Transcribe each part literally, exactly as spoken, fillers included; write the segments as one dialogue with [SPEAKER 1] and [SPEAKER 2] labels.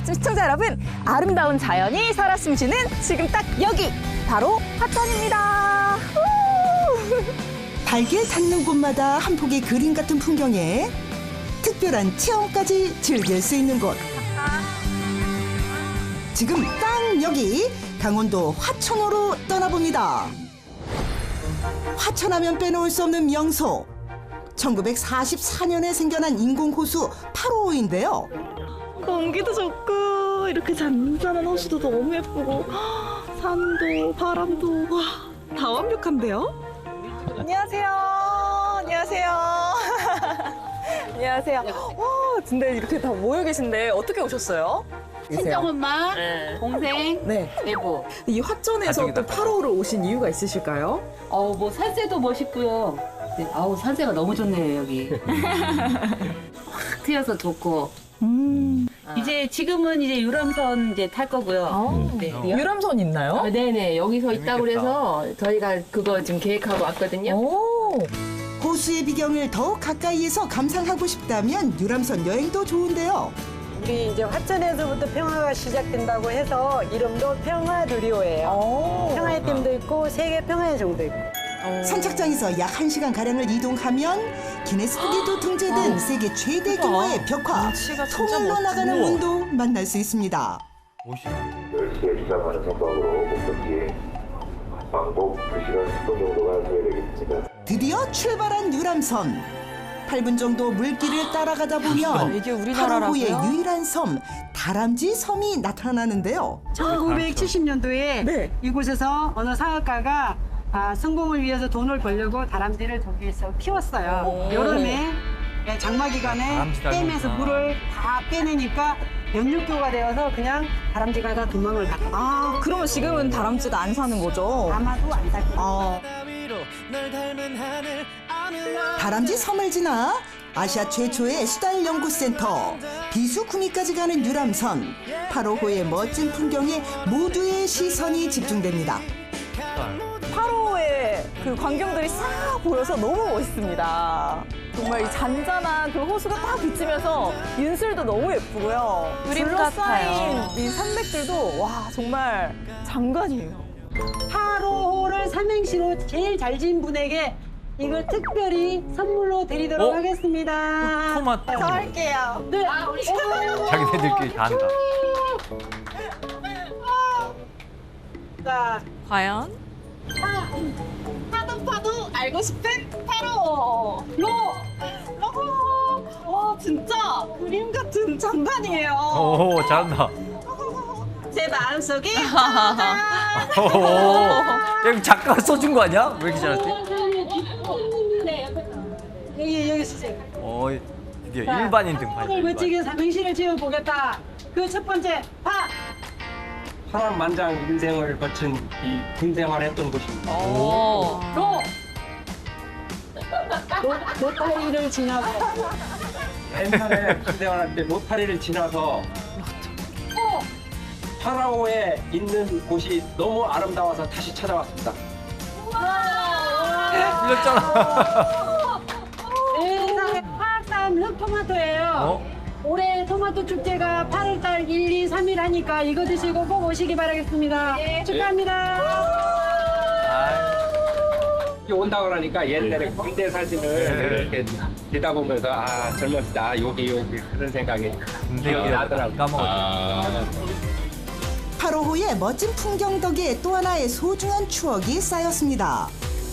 [SPEAKER 1] 아침 시청자 여러분, 아름다운 자연이 살아 숨쉬는 지금 딱 여기 바로 화천입니다.
[SPEAKER 2] 발길 닿는 곳마다 한 폭의 그림 같은 풍경에 특별한 체험까지 즐길 수 있는 곳. 지금 딱 여기 강원도 화천으로 떠나봅니다. 화천하면 빼놓을 수 없는 명소. 천구백사십사 년에 생겨난 인공호수 팔호호인데요.
[SPEAKER 1] 공기도 좋고 이렇게 잔잔한 호수도 너무 예쁘고 산도 바람도 와, 다 완벽한데요? 안녕하세요. 안녕하세요. 안녕하세요. 와, 근데 이렇게 다 모여 계신데 어떻게 오셨어요?
[SPEAKER 3] 친정엄마,
[SPEAKER 4] 네.
[SPEAKER 3] 동생,
[SPEAKER 1] 네.
[SPEAKER 3] 내부.
[SPEAKER 1] 이 화천에서 또 팔호를 오신 이유가 있으실까요?
[SPEAKER 3] 어우, 뭐 산세도 멋있고요. 네, 아우, 산세가 너무 좋네요, 여기. 확 트여서 좋고.
[SPEAKER 1] 음.
[SPEAKER 3] 이제 지금은 이제 유람선 이제 탈 거고요. 네.
[SPEAKER 1] 유람선 있나요?
[SPEAKER 3] 아, 네네. 여기서 있다고 그래서 저희가 그거 지금 계획하고 왔거든요.
[SPEAKER 1] 오.
[SPEAKER 2] 호수의 비경을 더욱 가까이에서 감상하고 싶다면 유람선 여행도 좋은데요.
[SPEAKER 5] 우리 이제 화천에서부터 평화가 시작된다고 해서 이름도 평화누리호예요.
[SPEAKER 1] 오.
[SPEAKER 5] 평화의 팀도 있고 세계 평화의 종도 있고.
[SPEAKER 2] 선착장에서 약 한 시간 가량을 이동하면 기네스북에도 등재된 세계 최대 규모의 벽화
[SPEAKER 1] 운치가 진짜
[SPEAKER 2] 통일로 나가는
[SPEAKER 1] 멋지네요.
[SPEAKER 2] 문도 만날 수 있습니다.
[SPEAKER 6] 열 시에 시작하는 선박으로 목적지에 왕복 두 시간 십 분 정도가 소요되겠습니다.
[SPEAKER 2] 드디어 출발한 유람선. 팔 분 정도 물길을 따라가다 보면
[SPEAKER 1] 이게 우리나라라고요?
[SPEAKER 2] 팔호호의 유일한 섬 다람쥐 섬이 나타나는데요.
[SPEAKER 5] 천구백칠십 년도에
[SPEAKER 1] 네.
[SPEAKER 5] 이곳에서 어느 사업가가 아, 성공을 위해서 돈을 벌려고 다람쥐를 저기에서 키웠어요.
[SPEAKER 1] 오.
[SPEAKER 5] 여름에 장마 기간에 댐에서 물을 다 빼내니까 연육교가 되어서 그냥 다람쥐가 다 도망을 갔다.
[SPEAKER 1] 아, 그러면 지금은 다람쥐가 안 사는 거죠?
[SPEAKER 5] 아마도 안 살 거예요.
[SPEAKER 1] 아.
[SPEAKER 2] 다람쥐 섬을 지나 아시아 최초의 수달 연구센터 비수구미까지 가는 유람선 팔호호의 멋진 풍경에 모두의 시선이 집중됩니다.
[SPEAKER 1] 팔호의 그 광경들이 싹 보여서 너무 멋있습니다. 정말 이 잔잔한 그 호수가 딱 비치면서 윤슬도 너무 예쁘고요.
[SPEAKER 7] 그림
[SPEAKER 1] 둘러싸인
[SPEAKER 7] 같아요.
[SPEAKER 1] 이 산맥들도 와, 정말 장관이에요.
[SPEAKER 5] 팔호호를 삼행시로 제일 잘 지은 분에게 이걸 특별히 선물로 드리도록
[SPEAKER 7] 어?
[SPEAKER 5] 하겠습니다.
[SPEAKER 7] 토마토.
[SPEAKER 1] 저 할게요.
[SPEAKER 5] 네.
[SPEAKER 7] 자기네들끼리 다 한다.
[SPEAKER 5] 자,
[SPEAKER 7] 과연?
[SPEAKER 1] 파도 파도 알고 싶은 팔호 로! 로! 와, 진짜 그림 같은 장관이에요.
[SPEAKER 7] 오, 잘한다.
[SPEAKER 1] 제 마음속에
[SPEAKER 7] 오, 여기 작가가 써준 거 아니야? 왜 이렇게 잘하지?
[SPEAKER 5] 여기 여기 주세요.
[SPEAKER 7] 어, 드디어 일반인 등판.
[SPEAKER 5] 오늘 멋지게 삼행시를 지어 보겠다. 그 첫 번째 파.
[SPEAKER 8] 파란만장 인생을 거친 이 군생활했던 곳입니다.
[SPEAKER 7] 오.
[SPEAKER 5] 로. 로 로타리를 지나고.
[SPEAKER 8] 옛날에 군생활할 때 로타리를 지나서 파라오에 있는 곳이 너무 아름다워서 다시 찾아왔습니다.
[SPEAKER 7] 틀렸잖아.
[SPEAKER 5] 세상에 파산 흑토마토예요.
[SPEAKER 7] 어?
[SPEAKER 5] 올해 토마토 축제가 팔월달 일, 이, 삼 일 하니까 이거 드시고 꼭 오시기 바라겠습니다. 축하합니다.
[SPEAKER 8] 여기 온다고 그러니까 옛날에 광대 사진을 이렇게 보다 보면서 아 젊었다 여기 여기 그런 생각이
[SPEAKER 7] 근데
[SPEAKER 8] 기억이 나더라고요.
[SPEAKER 7] 까먹었네.
[SPEAKER 2] 팔호호의 멋진 풍경 덕에 또 하나의 소중한 추억이 쌓였습니다.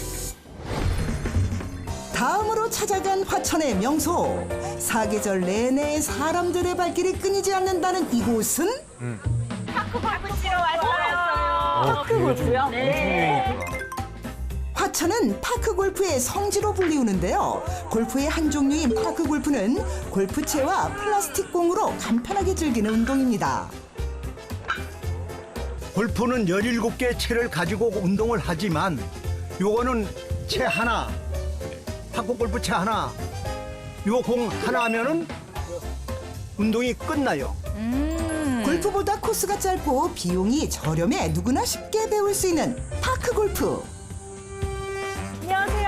[SPEAKER 2] 다음으로 찾아간 화천의 명소. 사계절 내내 사람들의 발길이 끊이지 않는다는 이곳은
[SPEAKER 7] 어, 그 요즘 엄청 유행이구나.
[SPEAKER 2] 화천은 파크 골프의 성지로 불리우는데요. 골프의 한 종류인 파크 골프는 골프채와 플라스틱 공으로 간편하게 즐기는 운동입니다.
[SPEAKER 9] 골프는 열일곱 개의 채를 가지고 운동을 하지만 요거는 채 하나, 파크 골프 채 하나, 요 공 하나 하면은 운동이 끝나요.
[SPEAKER 2] 골프보다 코스가 짧고 비용이 저렴해 누구나 쉽게 배울 수 있는 파크 골프.
[SPEAKER 1] 안녕하세요.
[SPEAKER 8] 어,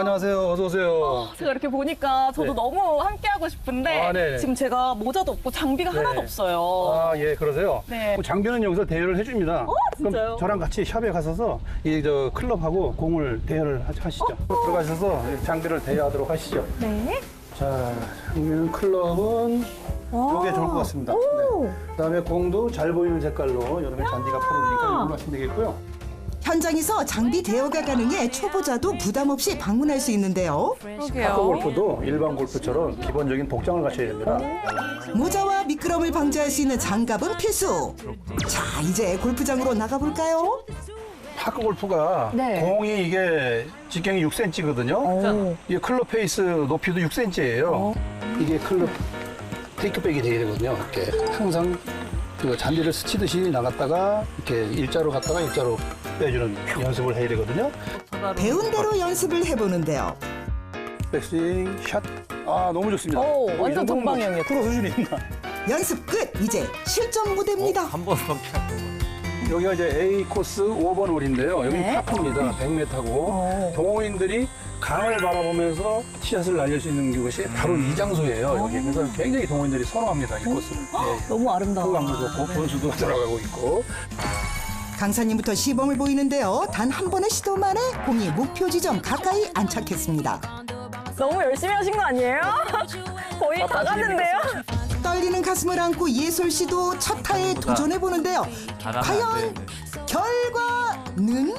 [SPEAKER 4] 안녕하세요. 어서 오세요.
[SPEAKER 1] 제가 이렇게 보니까 저도
[SPEAKER 4] 네.
[SPEAKER 1] 너무 함께하고 싶은데
[SPEAKER 4] 아, 네네.
[SPEAKER 1] 지금 제가 모자도 없고 장비가
[SPEAKER 4] 네.
[SPEAKER 1] 하나도 없어요.
[SPEAKER 4] 아, 예, 그러세요?
[SPEAKER 1] 네.
[SPEAKER 4] 장비는 여기서 대여를 해줍니다.
[SPEAKER 1] 어, 진짜요?
[SPEAKER 4] 그럼 저랑 같이 샵에 가셔서 이 저 클럽하고 공을 대여를 하- 하시죠. 들어가셔서 장비를 대여하도록 하시죠.
[SPEAKER 1] 네.
[SPEAKER 4] 자, 장비는 클럽은 이게 좋을 것 같습니다.
[SPEAKER 1] 오.
[SPEAKER 4] 네. 그다음에 공도 잘 보이는 색깔로 여름에 잔디가 푸르니까 이걸로 하시면 되겠고요.
[SPEAKER 2] 현장에서 장비 대여가 가능해 초보자도 부담 없이 방문할 수 있는데요.
[SPEAKER 4] 파크 골프도 일반 골프처럼 기본적인 복장을 갖춰야 됩니다.
[SPEAKER 2] 모자와 미끄럼을 방지할 수 있는 장갑은 필수. 자, 이제 골프장으로 나가볼까요?
[SPEAKER 4] 파크 골프가
[SPEAKER 1] 네.
[SPEAKER 4] 공이 이게 직경이 육 센티미터거든요. 이게 클럽 페이스 높이도 육 센티미터예요. 이게 클럽 테이크백이 돼야 되거든요. 이렇게 항상 그 잔디를 스치듯이 나갔다가 이렇게 일자로 갔다가 일자로 빼주는 연습을 해야 되거든요.
[SPEAKER 2] 배운 대로 연습을 해보는데요.
[SPEAKER 4] 백스윙, 샷. 아, 너무 좋습니다.
[SPEAKER 1] 오,
[SPEAKER 4] 어, 이
[SPEAKER 1] 완전
[SPEAKER 4] 정도면 뭐
[SPEAKER 1] 정방향이에요.
[SPEAKER 4] 프로 수준입니다.
[SPEAKER 2] 연습 끝! 이제 실전 무대입니다.
[SPEAKER 7] 한 번 넘게 한 거.
[SPEAKER 4] 여기가 이제 A 코스 오 번 홀인데요. 여기
[SPEAKER 1] 네.
[SPEAKER 4] 파크입니다. 백 미터고
[SPEAKER 1] 어.
[SPEAKER 4] 동호인들이 강을 바라보면서 티샷을 날릴 수 있는 곳이 바로 이 장소예요. 여기 그래서 굉장히 동호인들이 선호합니다. 이 코스를. 예.
[SPEAKER 1] 너무 아름다워.
[SPEAKER 4] 풍광도 좋고 분수도 들어가고 있고.
[SPEAKER 2] 강사님부터 시범을 보이는데요. 단 한 번의 시도만에 공이 목표 지점 가까이 안착했습니다.
[SPEAKER 1] 너무 열심히 하신 거 아니에요? 거의 다 갔는데요?
[SPEAKER 2] 떨리는 가슴을 안고 예솔 씨도 첫 타에 도전해 보는데요.
[SPEAKER 7] 잘하면 안
[SPEAKER 2] 과연
[SPEAKER 7] 되는데.
[SPEAKER 2] 결과는?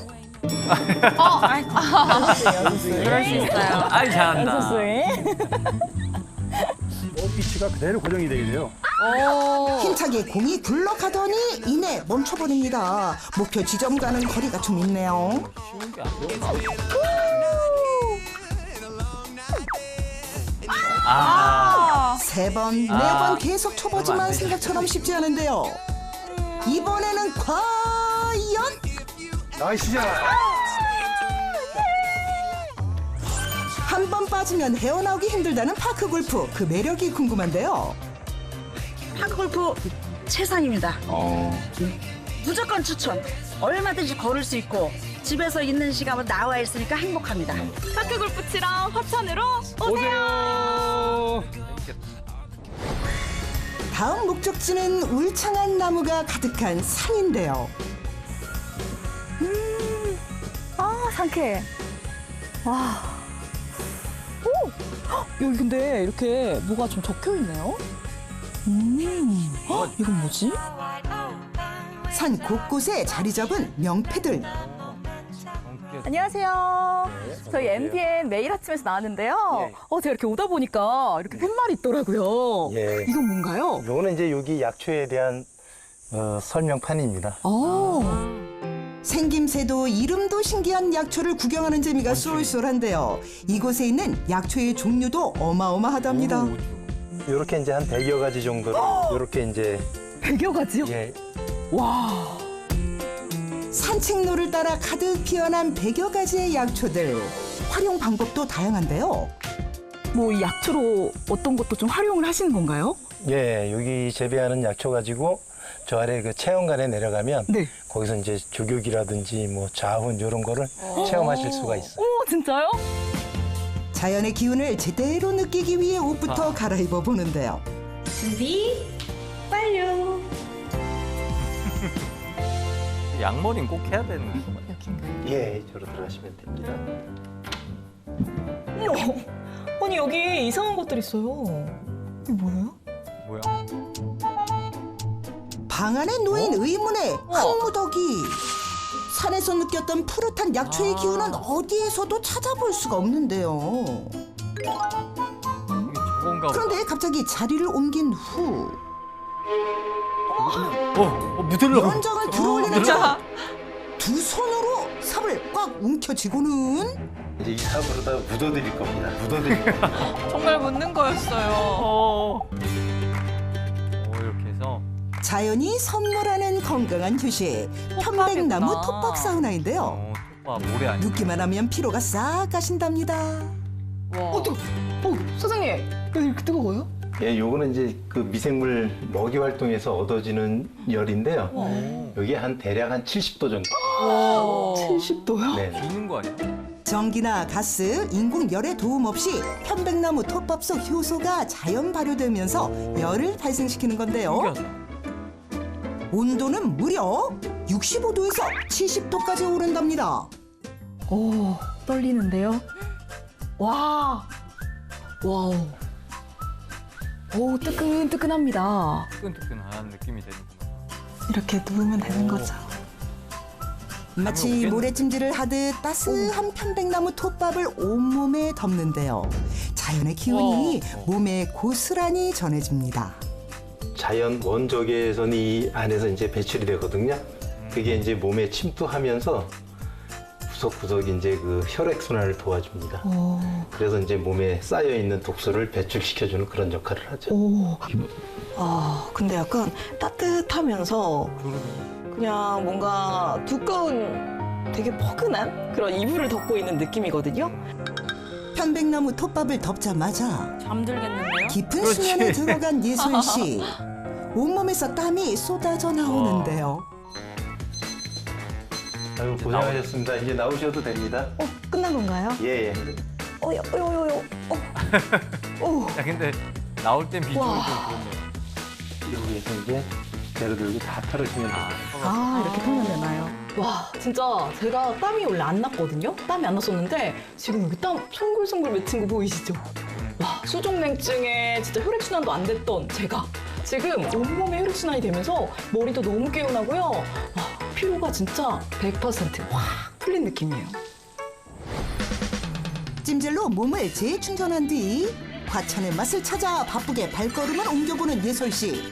[SPEAKER 7] 그럴 수 있어요. 아이, 잘한다.
[SPEAKER 1] 스윙.
[SPEAKER 4] 피치가 그대로 고정이 되게 돼요.
[SPEAKER 2] 힘차게 공이 굴러가더니 이내 멈춰버립니다. 목표 지점과는 거리가 좀 있네요.
[SPEAKER 7] 쉬운 게 안 되나? 아,
[SPEAKER 2] 세 번, 네 번
[SPEAKER 7] 아,
[SPEAKER 2] 계속
[SPEAKER 7] 그러면
[SPEAKER 2] 쳐보지만
[SPEAKER 7] 안 되지.
[SPEAKER 2] 생각처럼 쉽지 않은데요. 이번에는 과연?
[SPEAKER 4] 나이스 샷!
[SPEAKER 2] 한 번 빠지면 헤어나오기 힘들다는 파크 골프. 그 매력이 궁금한데요.
[SPEAKER 10] 파크골프 최상입니다. 무조건 추천. 얼마든지 걸을 수 있고 집에서 있는 시간은 나와 있으니까 행복합니다.
[SPEAKER 1] 파크 골프 치러 화천으로
[SPEAKER 4] 오세요!
[SPEAKER 2] 다음 목적지는 울창한 나무가 가득한 산인데요.
[SPEAKER 1] 아, 상쾌해. 와. 오! 헉, 여기 근데 이렇게 뭐가 좀 적혀 있네요. 음. 헉, 이건 뭐지?
[SPEAKER 2] 산 곳곳에 자리 잡은 명패들.
[SPEAKER 1] 안녕하세요. 저희 엠비엔 매일 아침에서 나왔는데요. 어, 제가 이렇게 오다 보니까 이렇게 팻말이 있더라고요.
[SPEAKER 11] 예.
[SPEAKER 1] 이건 뭔가요?
[SPEAKER 11] 요거는 이제 여기 약초에 대한 어, 설명판입니다.
[SPEAKER 1] 어.
[SPEAKER 2] 생김새도 이름도 신기한 약초를 구경하는 재미가 쏠쏠한데요. 이곳에 있는 약초의 종류도 어마어마하답니다.
[SPEAKER 11] 요렇게 이제 한 백여 가지 정도로 요렇게 이제
[SPEAKER 1] 백여 가지요?
[SPEAKER 11] 예.
[SPEAKER 1] 와.
[SPEAKER 2] 산책로를 따라 가득 피어난 백여 가지의 약초들. 활용 방법도 다양한데요.
[SPEAKER 1] 뭐 이 약초로 어떤 것도 좀 활용을 하시는 건가요?
[SPEAKER 11] 예, 여기 재배하는 약초 가지고 저 아래 그 체험관에 내려가면
[SPEAKER 1] 네.
[SPEAKER 11] 거기서 이제 조격이라든지 뭐 자훈 이런 거를 체험하실 수가 있어요.
[SPEAKER 1] 오, 진짜요?
[SPEAKER 2] 자연의 기운을 제대로 느끼기 위해 옷부터 갈아입어 보는데요.
[SPEAKER 10] 준비 완료.
[SPEAKER 7] 양머리는 꼭 해야 되는 거.
[SPEAKER 11] 예, 저로 들어가시면 됩니다.
[SPEAKER 1] 어머, 아니 여기 이상한 것들 있어요. 이게 뭐예요?
[SPEAKER 7] 뭐야?
[SPEAKER 2] 방 안에 놓인 의문의 황무더기. 산에서 느꼈던 푸릇한 약초의 기운은 어디에서도 찾아볼 수가 없는데요.
[SPEAKER 7] 이게 저건가 보다.
[SPEAKER 2] 그런데 갑자기 자리를 옮긴 후
[SPEAKER 7] 어, 어, 묻으려고.
[SPEAKER 2] 연장을 들어올리는 척 두 손으로 삽을 꽉 움켜쥐고는
[SPEAKER 11] 이제 이 삽으로 다 묻어드릴 겁니다. 묻어드릴 겁니다.
[SPEAKER 1] 정말 묻는 거였어요.
[SPEAKER 7] 어. 어, 이렇게 해서.
[SPEAKER 2] 자연이 선물하는 건강한 휴식. 편백나무 톱밥 사우나인데요.
[SPEAKER 7] 어, 톱밥 모래 아니야?
[SPEAKER 2] 눕기만 하면 피로가 싹 가신답니다.
[SPEAKER 1] 어, 뜨거. 어, 사장님, 여기 이렇게 뜨거워요?
[SPEAKER 11] 예, 요거는 이제 그 미생물 먹이 활동에서 얻어지는 열인데요. 여기 한 대략 한 칠십 도 정도.
[SPEAKER 1] 칠십 도요?
[SPEAKER 11] 네.
[SPEAKER 7] 비는 거 아니야?
[SPEAKER 2] 자, 전기나 가스, 인공 열의 도움 없이 편백나무 톱밥 속 효소가 자연 발효되면서 열을 발생시키는 건데요. 온도는 무려 육십오 도에서 칠십 도까지 오른답니다.
[SPEAKER 1] 오, 떨리는데요? 와, 와우. 오, 뜨끈뜨끈합니다.
[SPEAKER 7] 뜨끈뜨끈한 느낌이 되는구나.
[SPEAKER 1] 이렇게 누우면 되는 거죠.
[SPEAKER 2] 마치 모래찜질을 하듯 따스한 편백나무 톱밥을 온몸에 덮는데요. 자연의 기운이 몸에 고스란히 전해집니다.
[SPEAKER 11] 자연 원적외선이 이 안에서 이제 배출이 되거든요. 그게 이제 몸에 침투하면서 구석구석 이제 그 혈액순환을 도와줍니다.
[SPEAKER 1] 오.
[SPEAKER 11] 그래서 이제 몸에 쌓여 있는 독소를 배출시켜주는 그런 역할을 하죠.
[SPEAKER 12] 오. 아, 근데 약간 따뜻하면서 그냥 뭔가 두꺼운 되게 포근한 그런 이불을 덮고 있는 느낌이거든요.
[SPEAKER 2] 편백나무 톱밥을 덮자마자
[SPEAKER 1] 잠들겠는데요?
[SPEAKER 2] 깊은
[SPEAKER 7] 그렇지.
[SPEAKER 2] 수면에 들어간 예솔 씨. 온몸에서 땀이 쏟아져 나오는데요.
[SPEAKER 11] 아유, 고생하셨습니다. 이제 나오셔도 됩니다.
[SPEAKER 12] 어, 끝난 건가요?
[SPEAKER 11] 예, 예.
[SPEAKER 12] 어, 여, 여, 여, 여. 어. 오.
[SPEAKER 7] 야, 근데 나올 땐 비주얼이
[SPEAKER 12] 와.
[SPEAKER 7] 좀 그렇네요.
[SPEAKER 11] 여기에서 이제 배로 들고 다 털으시면 됩니다.
[SPEAKER 1] 아, 이렇게 털면 되나요?
[SPEAKER 12] 와, 진짜 제가 땀이 원래 안 났거든요? 땀이 안 났었는데 지금 여기 땀 송글송글 맺힌 거 보이시죠? 와, 수족냉증에 진짜 혈액순환도 안 됐던 제가 지금 온몸에 혈액순환이 되면서 머리도 너무 개운하고요. 와, 피로가 진짜 백 퍼센트 확 풀린 느낌이에요.
[SPEAKER 2] 찜질로 몸을 재충전한 뒤 화천의 맛을 찾아 바쁘게 발걸음을 옮겨보는 예솔 씨.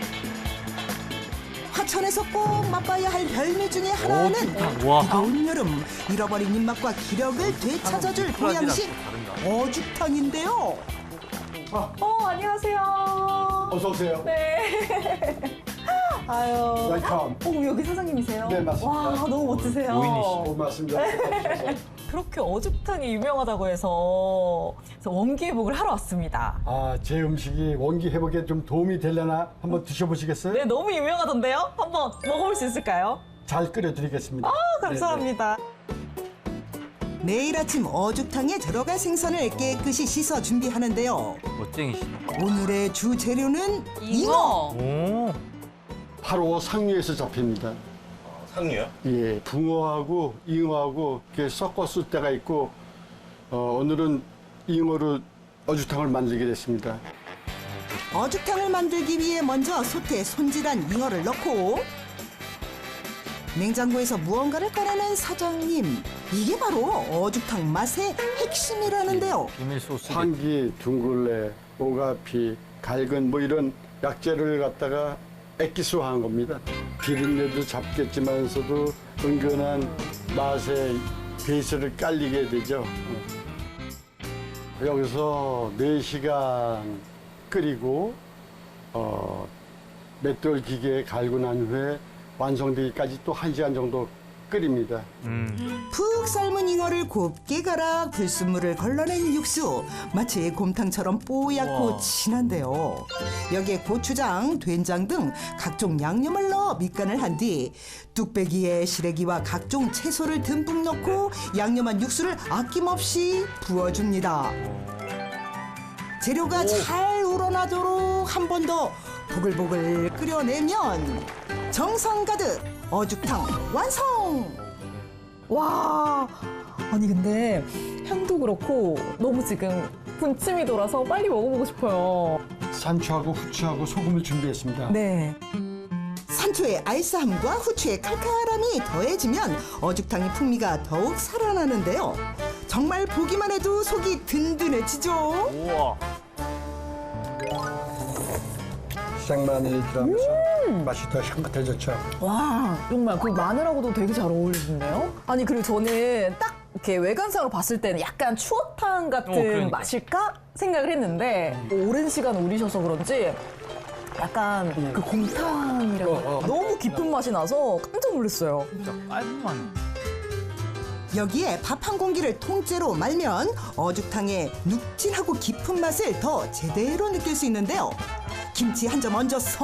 [SPEAKER 2] 화천에서 꼭 맛봐야 할 별미 중에 하나는
[SPEAKER 7] 우와.
[SPEAKER 2] 뜨거운 여름 잃어버린 입맛과 기력을 되찾아줄 보양식 어죽탕인데요.
[SPEAKER 1] 어, 안녕하세요.
[SPEAKER 9] 어서 오세요.
[SPEAKER 1] 네. 아유.
[SPEAKER 9] 웰컴.
[SPEAKER 1] 어, 여기 사장님이세요?
[SPEAKER 9] 네, 맞습니다.
[SPEAKER 1] 와, 너무 멋지세요.
[SPEAKER 7] 노인이시죠?
[SPEAKER 9] 고맙습니다.
[SPEAKER 1] 그렇게 어죽탕이 유명하다고 해서 그래서 원기회복을 하러 왔습니다.
[SPEAKER 9] 아, 제 음식이 원기 회복에 좀 도움이 되려나 한번 드셔보시겠어요?
[SPEAKER 1] 네, 너무 유명하던데요? 한번 먹어볼 수 있을까요?
[SPEAKER 9] 잘 끓여드리겠습니다.
[SPEAKER 1] 아, 감사합니다.
[SPEAKER 2] 내일 아침 어죽탕에 들어갈 생선을 깨끗이 씻어 준비하는데요.
[SPEAKER 7] 멋쟁이시다.
[SPEAKER 2] 오늘의 주 재료는 잉어.
[SPEAKER 7] 오.
[SPEAKER 9] 바로 상류에서 잡힙니다.
[SPEAKER 11] 상류요?
[SPEAKER 9] 예, 붕어하고 잉어하고 이렇게 섞었을 때가 있고 어, 오늘은 잉어로 어죽탕을 만들게 됐습니다.
[SPEAKER 2] 어죽탕을 만들기 위해 먼저 솥에 손질한 잉어를 넣고 냉장고에서 무언가를 꺼내는 사장님. 이게 바로 어죽탕 맛의 핵심이라는데요.
[SPEAKER 7] 비밀 소스.
[SPEAKER 9] 황기, 둥글레, 오가피, 갈근 뭐 이런 약재를 갖다가 액기스화한 겁니다. 비린내도 잡겠지만서도 은근한 맛의 베이스를 깔리게 되죠. 여기서 네 시간 끓이고 어, 맷돌 기계에 갈고 난 후에 완성되기까지 또 한 시간 정도 끓입니다.
[SPEAKER 7] 음.
[SPEAKER 2] 푹 삶은 잉어를 곱게 갈아 불순물을 걸러낸 육수. 마치 곰탕처럼 뽀얗고
[SPEAKER 7] 우와.
[SPEAKER 2] 진한데요. 여기에 고추장, 된장 등 각종 양념을 넣어 밑간을 한 뒤 뚝배기에 시래기와 각종 채소를 듬뿍 넣고 양념한 육수를 아낌없이 부어줍니다. 재료가 잘 우러나도록 한 번 더 보글보글 끓여내면 정성 가득 어죽탕 완성!
[SPEAKER 1] 와, 아니 근데 향도 그렇고 너무 지금 군침이 돌아서 빨리 먹어보고 싶어요.
[SPEAKER 9] 산초하고 후추하고 소금을 준비했습니다.
[SPEAKER 1] 네.
[SPEAKER 2] 산초의 알싸함과 후추의 칼칼함이 더해지면 어죽탕의 풍미가 더욱 살아나는데요. 정말 보기만 해도 속이 든든해지죠.
[SPEAKER 7] 우와.
[SPEAKER 9] 생마늘이 들어가면서 맛이 더 향긋해졌죠.
[SPEAKER 1] 와, 정말 그 마늘하고도 되게 잘 어울리는데요? 아니, 그리고 저는 딱 이렇게 외관상으로 봤을 때는 약간 추어탕 같은
[SPEAKER 7] 어, 그러니까.
[SPEAKER 1] 맛일까 생각을 했는데 오랜 시간 우리셔서 그런지 약간 그 곰탕이랑 너무 깊은 맛이 나서 깜짝 놀랐어요.
[SPEAKER 7] 진짜 깔끔하네.
[SPEAKER 2] 여기에 밥 한 공기를 통째로 말면 어죽탕의 눅진하고 깊은 맛을 더 제대로 느낄 수 있는데요. 김치 한 점 얹어서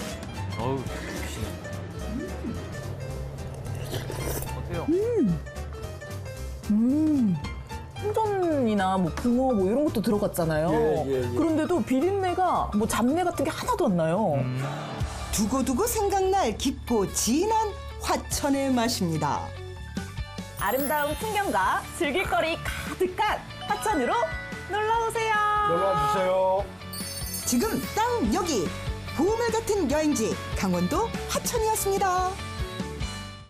[SPEAKER 7] 어우, 역시. 어때요?
[SPEAKER 1] 음, 생선이나 뭐 붕어 뭐 이런 것도 들어갔잖아요.
[SPEAKER 7] 예, 예, 예.
[SPEAKER 1] 그런데도 비린내가 뭐 잡내 같은 게 하나도 안 나요.
[SPEAKER 2] 두고두고 생각날 깊고 진한 화천의 맛입니다.
[SPEAKER 1] 아름다운 풍경과 즐길거리 가득한 화천으로 놀러오세요.
[SPEAKER 7] 놀러와 주세요.
[SPEAKER 2] 지금 땅 여기 보물 같은 여행지 강원도 화천이었습니다.